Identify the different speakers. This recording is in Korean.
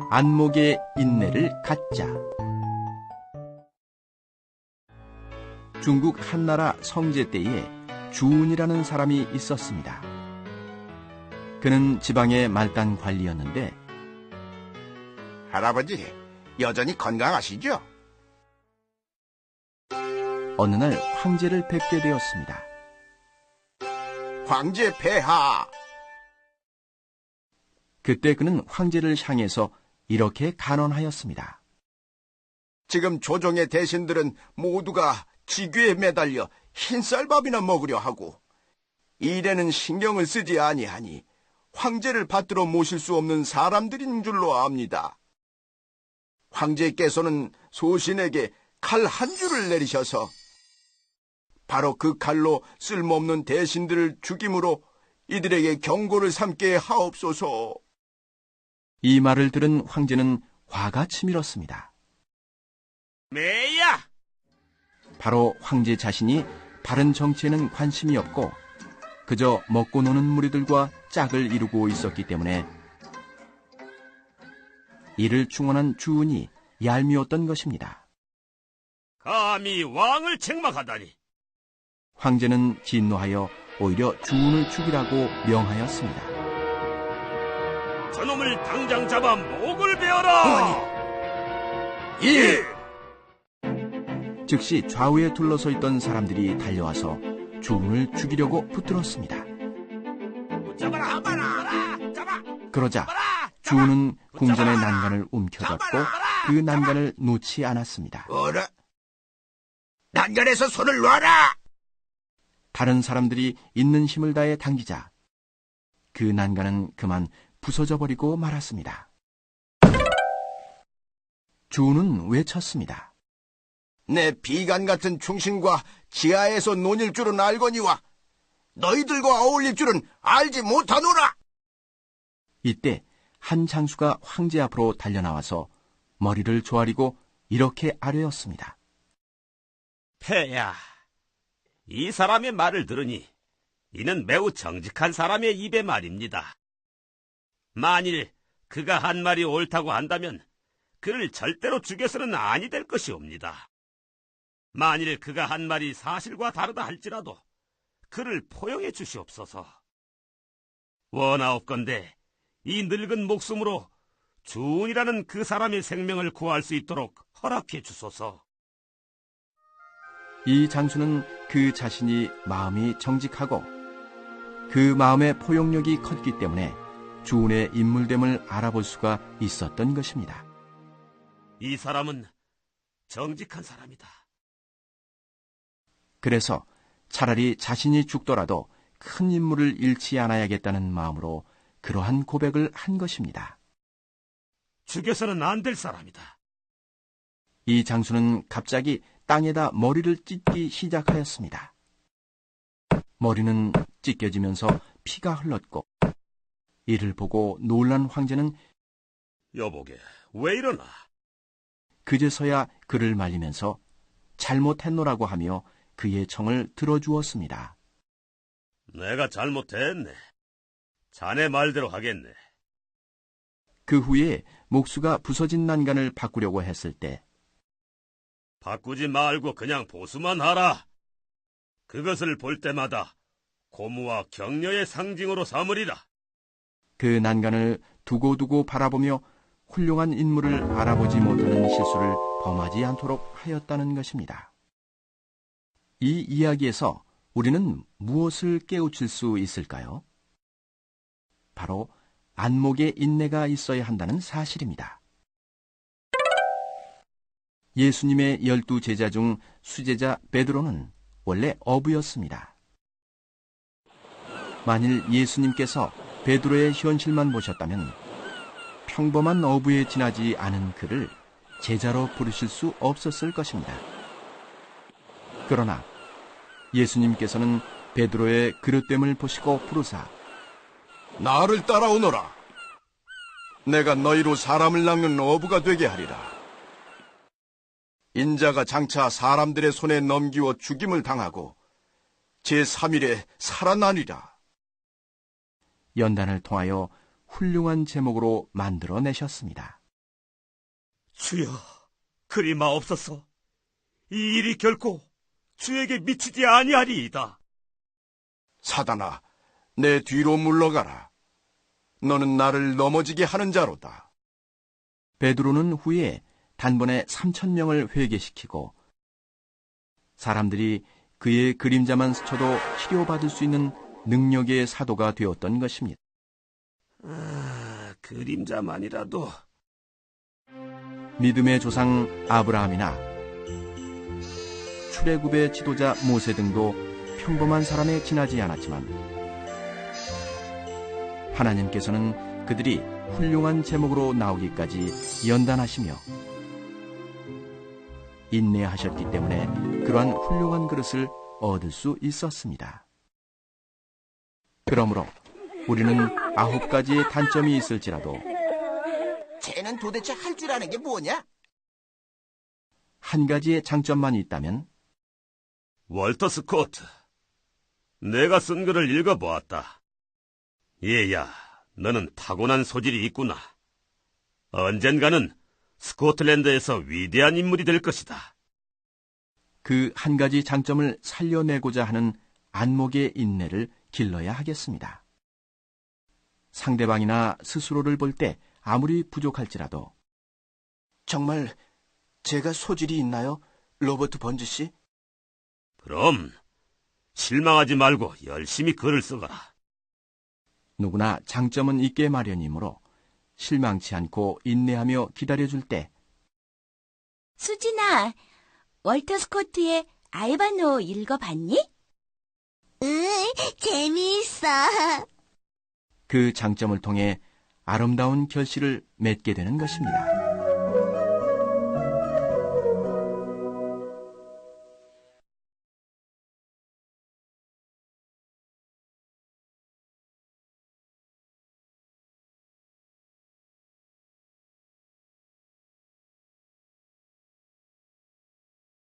Speaker 1: 안목의 인내를 갖자. 중국 한나라 성제 때에 주운이라는 사람이 있었습니다. 그는 지방의 말단 관리였는데
Speaker 2: 할아버지, 여전히 건강하시죠?
Speaker 1: 어느 날 황제를 뵙게 되었습니다.
Speaker 2: 황제 폐하!
Speaker 1: 그때 그는 황제를 향해서 이렇게 간언하였습니다.
Speaker 2: 지금 조정의 대신들은 모두가 지귀에 매달려 흰쌀밥이나 먹으려 하고 일에는 신경을 쓰지 아니하니 황제를 받들어 모실 수 없는 사람들인 줄로 압니다. 황제께서는 소신에게 칼 한 줄을 내리셔서 바로 그 칼로 쓸모없는 대신들을 죽임으로 이들에게 경고를 삼게 하옵소서.
Speaker 1: 이 말을 들은 황제는 화가 치밀었습니다.
Speaker 2: 매야!
Speaker 1: 바로 황제 자신이 바른 정치에는 관심이 없고 그저 먹고 노는 무리들과 짝을 이루고 있었기 때문에 이를 충원한 주운이 얄미웠던 것입니다.
Speaker 3: 감히 왕을 책망하다니.
Speaker 1: 황제는 진노하여 오히려 주운을 죽이라고 명하였습니다.
Speaker 3: 저놈을 당장 잡아 목을 베어라.
Speaker 2: 예!
Speaker 1: 즉시 좌우에 둘러서 있던 사람들이 달려와서 주운을 죽이려고 붙들었습니다.
Speaker 3: 잡아라, 잡아.
Speaker 1: 그러자 주운은 궁전의 난간을 움켜잡고 그 난간을 놓지 않았습니다.
Speaker 2: 어라? 난간에서 손을 놔라!
Speaker 1: 다른 사람들이 있는 힘을 다해 당기자 그 난간은 그만 부서져 버리고 말았습니다. 주운은 외쳤습니다.
Speaker 2: 내 비간 같은 충신과 지하에서 논일 줄은 알거니와 너희들과 어울릴 줄은 알지 못하노라!
Speaker 1: 이때 한 장수가 황제 앞으로 달려나와서 머리를 조아리고 이렇게 아뢰었습니다.
Speaker 3: 폐야, 이 사람의 말을 들으니 이는 매우 정직한 사람의 입의 말입니다. 만일 그가 한 말이 옳다고 한다면 그를 절대로 죽여서는 아니 될 것이옵니다. 만일 그가 한 말이 사실과 다르다 할지라도 그를 포용해 주시옵소서. 원하옵건대 이 늙은 목숨으로 주운이라는 그 사람의 생명을 구할 수 있도록 허락해 주소서.
Speaker 1: 이 장수는 그 자신이 마음이 정직하고 그 마음의 포용력이 컸기 때문에 주운의 인물됨을 알아볼 수가 있었던 것입니다.
Speaker 3: 이 사람은 정직한 사람이다.
Speaker 1: 그래서 차라리 자신이 죽더라도 큰 인물을 잃지 않아야겠다는 마음으로 그러한 고백을 한 것입니다.
Speaker 3: 죽여서는 안 될 사람이다.
Speaker 1: 이 장수는 갑자기 땅에다 머리를 찢기 시작하였습니다. 머리는 찢겨지면서 피가 흘렀고 이를 보고 놀란 황제는
Speaker 3: 여보게, 왜 이러나?
Speaker 1: 그제서야 그를 말리면서 잘못했노라고 하며 그의 청을 들어주었습니다.
Speaker 3: 내가 잘못했네. 자네 말대로 하겠네.
Speaker 1: 그 후에 목수가 부서진 난간을 바꾸려고 했을 때
Speaker 3: 바꾸지 말고 그냥 보수만 하라. 그것을 볼 때마다 고무와 격려의 상징으로 삼으리라.
Speaker 1: 그 난간을 두고두고 바라보며 훌륭한 인물을 알아보지 못하는 실수를 범하지 않도록 하였다는 것입니다. 이 이야기에서 우리는 무엇을 깨우칠 수 있을까요? 바로 안목의 인내가 있어야 한다는 사실입니다. 예수님의 12 제자 중 수제자 베드로는 원래 어부였습니다. 만일 예수님께서 베드로의 현실만 보셨다면 평범한 어부에 지나지 않은 그를 제자로 부르실 수 없었을 것입니다. 그러나 예수님께서는 베드로의 그릇됨을 보시고 부르사
Speaker 2: 나를 따라오너라. 내가 너희로 사람을 낚는 어부가 되게 하리라. 인자가 장차 사람들의 손에 넘기워 죽임을 당하고 제3일에 살아나리라.
Speaker 1: 연단을 통하여 훌륭한 제목으로 만들어내셨습니다.
Speaker 3: 주여, 그리 마옵소서. 이 일이 결코 주에게 미치지 아니하리이다.
Speaker 2: 사단아, 내 뒤로 물러가라. 너는 나를 넘어지게 하는 자로다.
Speaker 1: 베드로는 후에 단번에 3,000명을 회개시키고 사람들이 그의 그림자만 스쳐도 치료받을 수 있는 능력의 사도가 되었던 것입니다.
Speaker 3: 그림자만이라도.
Speaker 1: 믿음의 조상 아브라함이나 출애굽의 지도자 모세 등도 평범한 사람에 지나지 않았지만 하나님께서는 그들이 훌륭한 제목으로 나오기까지 연단하시며 인내하셨기 때문에 그러한 훌륭한 그릇을 얻을 수 있었습니다. 그러므로 우리는 9가지의 단점이 있을지라도
Speaker 2: 쟤는 도대체 할 줄 아는 게 뭐냐?
Speaker 1: 한 가지의 장점만 있다면
Speaker 3: 월터 스코트, 내가 쓴 글을 읽어보았다. 얘야, 너는 타고난 소질이 있구나. 언젠가는 스코틀랜드에서 위대한 인물이 될 것이다.
Speaker 1: 그 한 가지 장점을 살려내고자 하는 안목의 인내를 길러야 하겠습니다. 상대방이나 스스로를 볼 때 아무리 부족할지라도
Speaker 2: 정말 제가 소질이 있나요, 로버트 번즈 씨?
Speaker 3: 그럼 실망하지 말고 열심히 글을 써가라.
Speaker 1: 누구나 장점은 있게 마련이므로 실망치 않고 인내하며 기다려줄 때
Speaker 4: 수진아, 월터 스코트의 알바노 읽어봤니?
Speaker 5: 응, 재미있어.
Speaker 1: 그 장점을 통해 아름다운 결실을 맺게 되는 것입니다.